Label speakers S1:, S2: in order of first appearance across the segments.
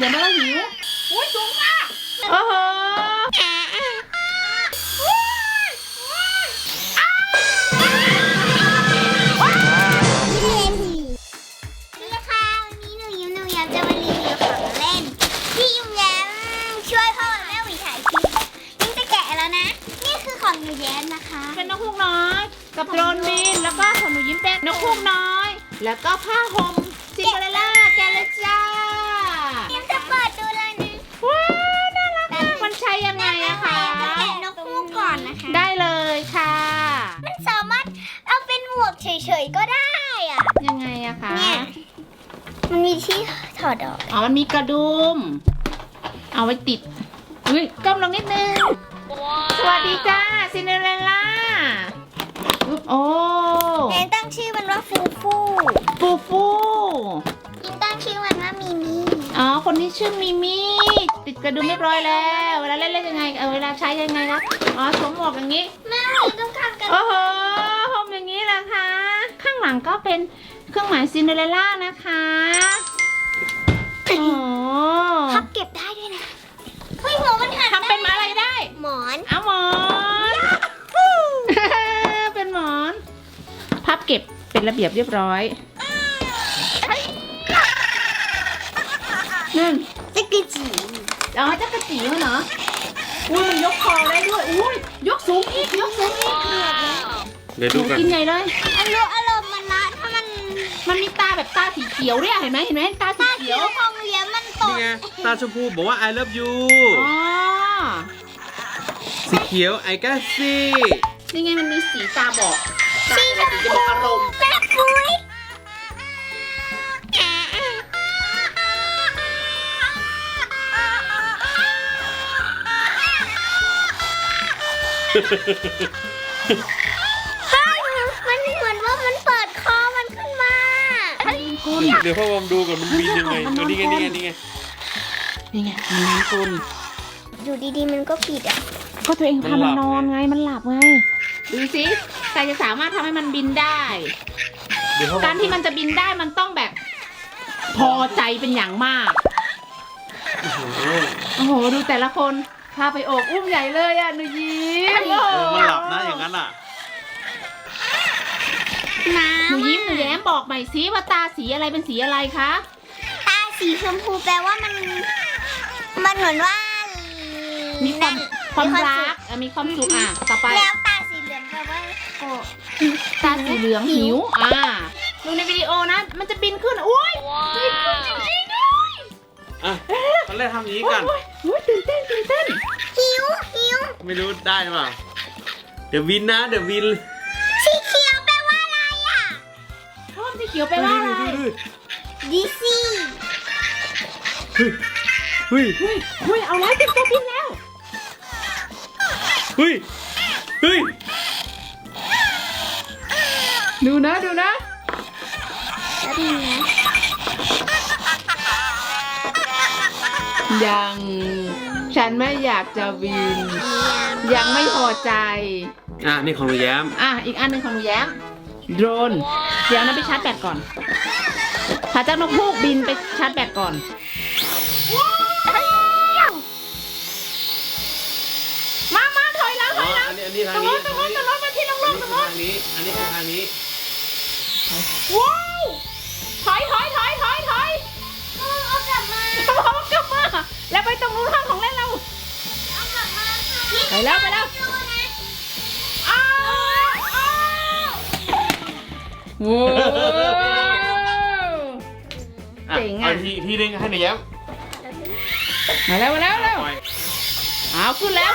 S1: ดี๋ยวมันก็หิวอุ้ยสูงมากโอ้โห
S2: หนูแย้มนะคะ
S1: เป็นนกฮูกน้อยกับโดรนบินแล้วก็ของหนูยิ้มเป็นนกฮูกน้อยแล้วก็ผ้าห่มซินเดอเรลล่าแกะเลยจ้า
S2: ยิ้มจะเปิดดูเลยนะ
S1: ว้าวน่ารักมากมันใช้ยังไงอะคะ
S2: แกะนกฮูกก่อนนะคะ
S1: ได้เลยค่ะ
S2: มันสามารถเอาเป็นหมวกเฉยๆก็ได้อะ
S1: ยังไงอะคะ
S2: เนี่ยมันมีที่ถอดออก
S1: อ๋อมันมีกระดุมเอาไว้ติดอุ้ยก้มลงนิดนึงสวัสดีจ้าซินเดอเรลล่าโอ้
S2: เอ็นตั้งชื่อมันว่าฟูฟูยิงตั้งชื่อมันว่ามิมี่
S1: อ๋อคนที่ชื่อมิมี่ติดกระดุมเรียบร้อยแล้วเวลาเล่นยังไงเวลาใช้ยังไงคะอ๋อสวมหมวกอย่างนี้
S2: แม่ต้องทำกัน
S1: โอ้โหห่มอย่างนี้แหละคะข้างหลังก็เป็นเครื่องหมายซินเดอเรลล่านะคะโอ้
S2: พับเก็บได้ด้วยนะเฮ้ยหัวมันหัก
S1: ทำเป็นอะไรได้
S2: หมอน
S1: เอาหมอนเป็นหมอนพับเก็บเป็นระเบียบเรียบร้อยนั่น
S2: จักรจี
S1: อ๋อจักรจีเหรออุ้ยมันยกคอได้ด้วยอุ้ยยกสูงอีก
S3: เดี๋ยวดูกัน
S1: กินใหญ่เลย
S2: อารมณ์มันนะถ้า
S1: มันมีตาแบบตาสีเขียวเนี่ยเห็นไหมตาสีเขียว
S2: ของเลี้ยมันต
S3: นี่ไงตาชมพูบอกว่า I love you
S1: อ๋อ
S3: สีเขียว I got see
S1: นี่ไงมันมีสีตาบอกสีจะบอกอารมณ์
S2: แป๊บปุ้ยมันเหมือนว่ามันเปิดคอมันขึ้นมา
S3: เดี๋ยวพ่อวอมดูก่อนมันบินยังไงนี่ไง
S1: มันนอนกลน
S2: อยู่ดีๆมันก็ปิดอ่ะ
S1: ก็ตัวเองพามันนอนไงมันหลับไงดูสิใครจะสามารถทำให้มันบินได้การที่มันจะบินได้มันต้องแบบพอใจเป็นอย่างมากโอ้โหดูแต่ละคนพาไปโอบอุ้มใหญ่เลยอ่ะหนูยิ้ม
S3: มันหลับนะอย่างนั้นอ่ะ
S1: หนูยิ้มหนูแย้มบอกใหม่สิว่าตาสีอะไรเป็นสีอะไรคะ
S2: ตาสีชมพูแปลว่ามันเหมือนว่า
S1: มีความรักมีความสุขต่อไป
S2: แล้วตาสีเหลืองแปลว่าโกรธ
S1: ตาสีเหลืองหิวดูในวิดีโอนะมันจะบินขึ้นอุ้ยบินขึ้นจริงๆด้วย
S3: ตอนแรกทำอย่างนี้กัน
S1: ตื่นเต้น
S2: หิว
S3: ไม่รู้ได้หรือเปล่าเดี๋ยววิน
S2: สีเขียวแปลว่าอะไรอ่ะ
S1: สีเขียวแปลว่าอะไร
S2: ดิซี่
S3: เฮ้ย
S1: เอาแล้วเป็นตัวบินแล้ว
S3: เฮ้ย
S1: ดูนะยังฉันไม่อยากจะบินยังไม่พอใจ
S3: นี่ของหนูแย้ม
S1: อีกอันหนึ่งของหนูแย้มโดรนเดี๋ยวนะไปชาร์จแบตก่อนพาเจ้านกฮูกบินไปชาร์จแบตก่อนมาถอยแล้ว
S3: อันนี้ทางนี้
S1: ตรงโน้นมาที่ลงตรงโน้น
S3: อันนี้คือทางนี้
S1: ว้าวถอย
S2: เอากลับมา
S1: แล้วไปตรงนู้นห้องของเล่นเราไปแล้วโว้เจ๋ง
S3: ทีนึงให้หนูแย้ม
S1: มาแล้วเอาขึ้นแล้ว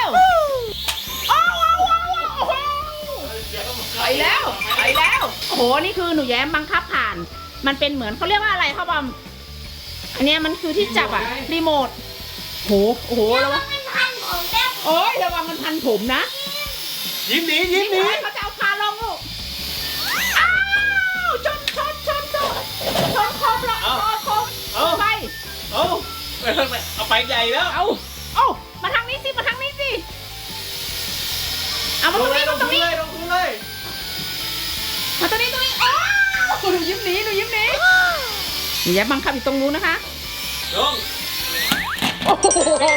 S1: ไปแล้วโอ้โหนี่คือหนูแย้มบังคับผ่านมันเป็นเหมือนเขาเรียกว่าอะไรครับบอมอันนี้มันคือที่จับรีโมทโอ้โหระวังโอ้ยระวังมันพันผมนะ
S3: ยิ้มหนี
S1: เขาจะเอาพาลงลูกชนครบแล้วไป
S3: เอาไปใหญ่แล้ว
S1: เอามาทางนี้สิเอามาตรงนี้
S3: ลงเลย
S1: มาตรงนี้หนูยิ้มหนีหนูแย้มบังคับอยู่ตรงนู้นนะคะ
S3: ลง
S1: โอ้โห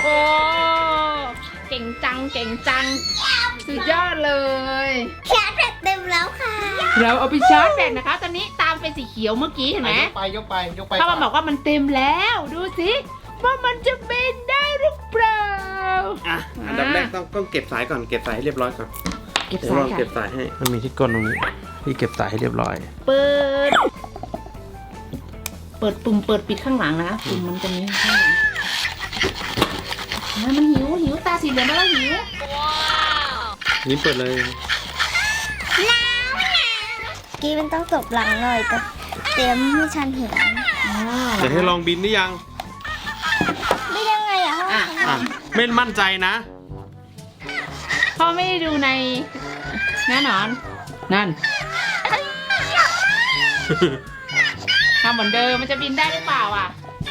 S1: เก่งจังเก่งจังสุดยอดเลย
S2: ชาร์จแบตเต็มแล้วค่ะ
S1: เราเอาไปชาร์จแบตนะคะ ตอนนี้ตามเป็นสีเขียวเมื่อกี้เห็นไหม
S3: ยกไป
S1: พ่อมันบอกว่ามันเต็มแล้วดูสิว่ามันจะบินได้หรือเปล่า
S3: อ่ะอันดับแรกต้องเก็บสายก่อนเก็บสายให้เรียบร้อยก่อน
S1: เก็บ
S3: เดี๋ยว
S1: สา
S3: ล
S1: ย
S3: อง
S1: ค่ะ
S3: เก็บสายให้มันมีที่ก้นตรงนี้ที่เก็บสายให้เรียบร้อย
S1: เปิดปุ่มเปิดปิดข้างหลังนะปุ่มมันจะมีข้างหลังมันหิวตาสีเหลืองแล้วหิว
S3: นี่เปิดเลย
S2: กี้มันต้องตบหลังหน่อยแต่เตรียมให้ฉันเห็น
S3: เดี๋ยวให้ลองบินได้ยัง
S2: ไม่ยังไงอ่ะ
S3: อ่ะไม่มั่นใจนะ
S1: พ่อไม่ได้ดูในแน่นอนนั่นทำเหมือนเดิมมันจะบินได้หรือเปล่าอ่ะ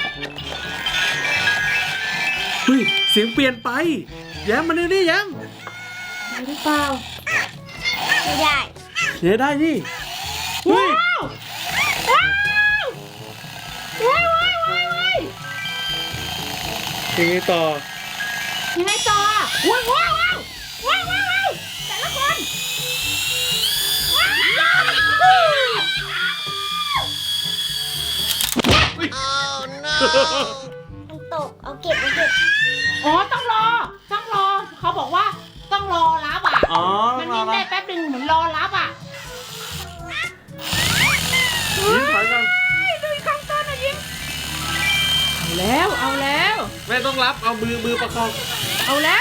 S3: เฮ้ยเสียงเปลี่ยนไปแย้มมาดูนี่แย้ม
S1: ได้หรือเปล่า
S2: ไม่ได้
S3: เดี๋ยวได้นี่เฮ้
S1: ว้า
S3: ยว
S1: ว้าว
S3: ยังไงต่อ
S1: ยังไงต่อว้าวแต่ละคน
S2: มันตกเอาเก็บ
S1: อ๋อต้องรอเขาบอกว่าต้องรอรับอ่ะ
S3: อ๋อ
S1: มันวิ่งได้แป๊บหนึ่งเหมือนรอรับอ่ะ
S3: ยิ้มถอยก่อน
S1: ดูอีกครั้งต้นนะยิ้มเอาแล้ว
S3: ไม่ต้องรับเอามือประคอง
S1: เอาแล้ว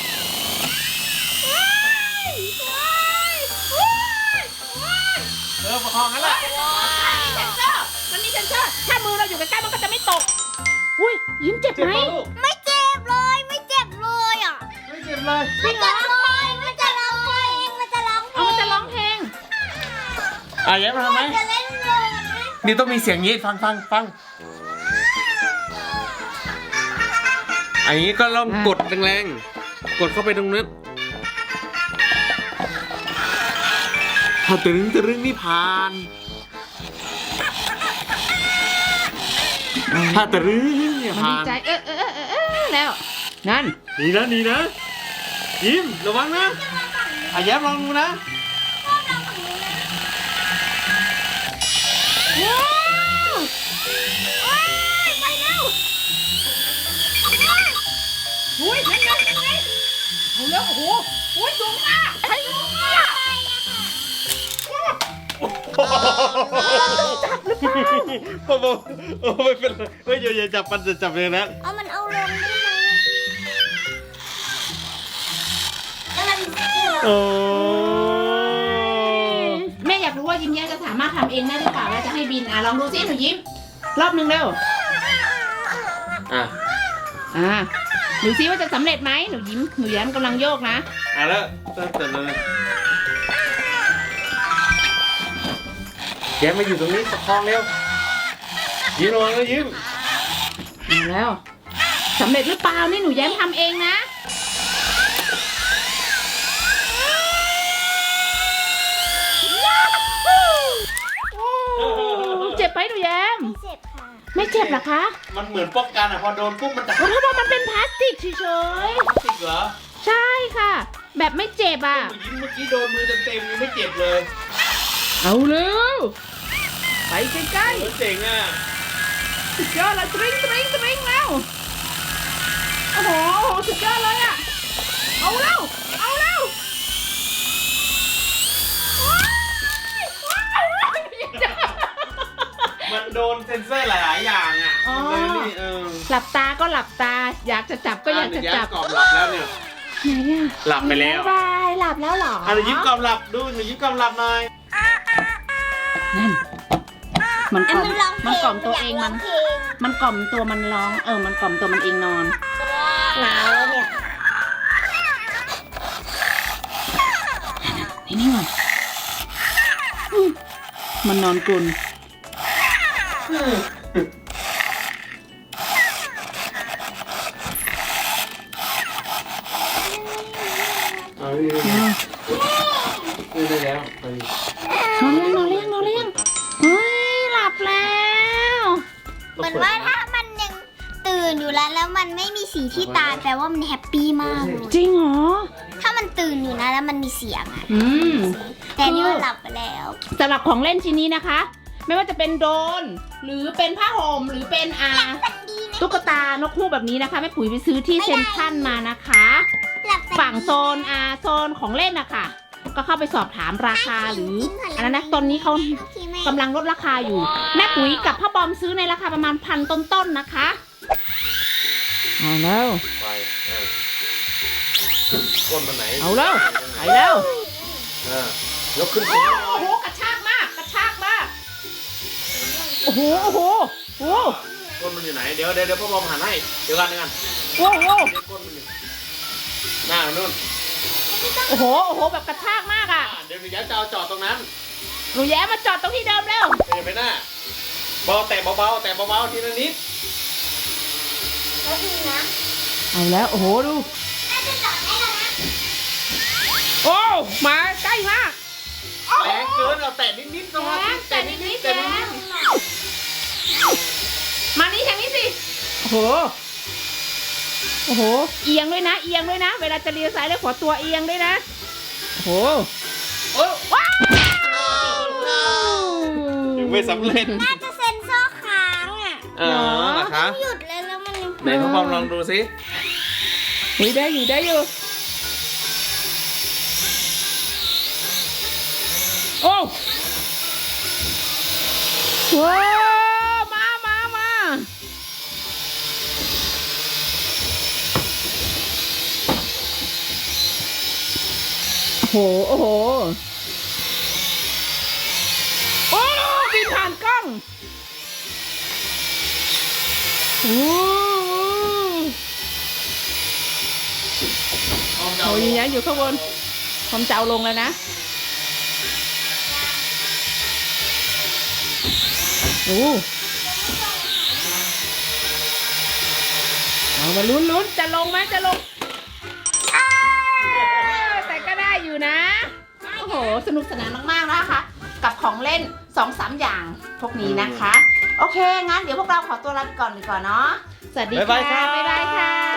S3: ประคองกันละ
S1: มันมีเซนเซอร์ถ้ามือเราอยู่ใกล้ๆมันก็จะไม่ตกอุ้ยยิ้มเจ็บ
S3: เจ็บ
S1: ไหม
S3: ปะลูก
S2: ไม่เจ็บเลยไม่เจ็บเลยอ่ะ
S3: ไม่เจ็บเลย
S2: ไม่เจ็บเลยมันจะร้องเพลงมันจะร้องเพล
S1: เอา
S2: ง
S1: มันจะร้องเพลง
S3: อ่ะแย้มมาทำไหม
S2: จะเล่นเลยนะ
S3: นี่ต้องมีเสียงนี้ฟังอันนี้ก็ลองกดแรงๆกดเข้าไปตรงนั้นถ้าตึงนี่ผ่านถ้าตึงเนี่ย
S1: มัน
S3: ผ่า
S1: ดี
S3: น
S1: ใจแล้วนั่น
S3: นี่นะยิ้มระวังนะอ่ะแย้มลองดูนะ
S1: ว้าวไปแล้วอุ้ยยังไงเอาแล้วโอ้โหอุ้ยสูงมากสูงมาก
S3: โอ้โหไม่เป็นไรไม่อย่าจับมันจะจับเลยนะ
S2: เอามันเอาลงได้ไหมแล้วมันเจ็บ
S3: โอ้
S1: แม่อยากรู้ว่ายิ้มแย้มจะสามารถทำเองได้หรือเปล่าแล้วจะให้บินลองดูซิหนูยิ้มรอบนึงเร็ว
S3: อ่ะ
S1: ดูซิว่าจะสำเร็จไหมหนูแย้มกำลังโยกนะ
S3: แล้วตั้งแต่เลยแย้มมาอยู่ตรงนี้ประคองเร็วยิ้มระวังนะยิ้ม
S1: มาแล้วสำเร็จหรือเปล่านี่หนูแย้มทำเองนะเจ็บไหมหนูแย้ม
S2: เจ็บค่ะ
S1: ไม่เจ็บเหรอคะ
S3: มันเหมือนป้องกันอ่ะพอโดนปุ๊บมันจะ
S1: เพราะว่ามันเป็นพลาสติกเฉย
S3: ติดเหรอ
S1: ๆใช่ค่ะ แบบไม่เจ็บอ่ะ
S3: ยิ้มเมื่อกี้โดนมือเต็มๆยังไม่เจ็บเลย
S1: เอาเร็วไปใกล้
S3: โอ้เจ๋งอ่ะ
S1: ๆสุดยอดเลยตริ้งแล้วโอ้โหสุดยอดเลยอ่ะเอาเร็ว
S3: มันโดนเซ็นเซอร์หลายๆอย่างอ่ะ
S1: อ๋อ
S3: มันเลยนี่
S1: หลับตาก็หลับตา อยากจะจับก็อยากจะจับ
S3: กรอบหลับแล้วเนี่ย
S1: ไหนอ่ะ
S3: หลับไปแล้ว
S1: บายหลับแล้วเหรอ
S3: หนูยิ้มกรอบหลับดูหนูยิ้มกรอบหลับหน่อย
S1: นั่นมันกล่อม
S2: มันร้องเพลง
S1: มันกล่อมตัวเอง
S2: อยากร้
S1: มั
S2: อน งเพลง
S1: มันกล่อมตัวมันร้องมันกล่อมตัวมันเองนอน
S2: หนาวแล้วเนี่ย
S1: นี่ก่อนมันนอนกลน
S3: เอาดิได้แล้วไป
S1: นอนเลี้ยงเฮ้ยหลับแล้ว
S2: เหมือนว่าถ้ามันยังตื่นตื่นอยู่แล้วมันไม่มีสีที่ตาแปลว่ามันแฮปปี้มากเลย
S1: จริงเหรอ
S2: ถ้ามันตื่นอยู่นะแล้วมันมีเสียงอะ
S1: อืม
S2: แต่นี่มันหลับไปแล้ว
S1: สำหรับของเล่นชิ้นนี้นะคะ ไม่ว่าจะเป็นโดรนหรือเป็นผ้าห่มหรือเป็นตุ๊กตานกฮูกแบบนี้นะคะแม่ปุ๋ยไปซื้อที่เซ็นทรัลมานะคะ
S2: หลับไป
S1: ฝั่งโซนโซนของเล่นนะคะก็เข้าไปสอบถามราคาหรืออันนั้นนะตอนนี้เขากำลังลดราคาอยู่ แม่ปุ๋ยกับพ่อบอมซื้อในราคาประมาณ1,000ต้นๆนะคะเอาแล้ว
S3: ไปก้นมันไหน
S1: เอาแล้วไปแล้ว
S3: ยกขึ้น
S1: โอ้โหกระชากมากกระชากมากโอ้โหโอ้โหโอ้โห
S3: ก้นมันอยู่ไหนเดี๋ยวพ่อบอมหันให้เดี๋ยวกัน
S1: โอ้โห
S3: ก้นมันอยู่หน้านู่น
S1: โอ้โหโอ้โหแบบกระชากมากอ่ะ
S3: เดี๋ยวหนูย้ายจะเอาจอดตรงนั้น
S1: หนูแย้มาจอดตรงที่เดิมแล้ว
S3: เดี๋ยวไปหน้าเบาแต่เบาทีละนิด
S2: แล้วดูนะ
S1: เอาแล้วโอ้โหดู
S2: น่าจะจอดได้แล้วนะ
S1: โอ้มาใกล้มาก
S3: แรงเกินเอาแต่นิดๆสมาธิแต่นิด
S1: มานี่ทางนี้สิโอ้โหโอ้โหเอียงด้วยนะเอียงด้วยนะ เวลาจะเลี้ยวซ้ายเลี้ยวขวาตัวเอียงด้วยนะโอ้โห
S3: โอ้
S1: ว้าว
S3: ยังไม่สำเร็จ
S2: น่าจะเซ็นเซอร์ค้างอ่ะ
S3: นะคะ
S2: หยุดเลยแล้วมันยัง
S3: ไหนพ่อบอมลองดูสิ
S1: ได้อยู่ได้อยู่โอ้ว้าวมาโอ้โหโอ้โหโอ้บินผ่านกล้องโอ้โหยืนยันอยู่ข้างบนผมจะเอาลงแล้วนะโอ้เอามาลุ้นจะลงไหมจะลงแต่ก็ได้อยู่นะโอ้โหสนุกสนานมากๆนะคะกับของเล่น 2-3 อย่างพวกนี้นะคะโอเคงั้นเดี๋ยวพวกเราขอตัวลาไปก่อนดีกว่าเนาะสวัสดีค่ะบ๊ายบายค่ะ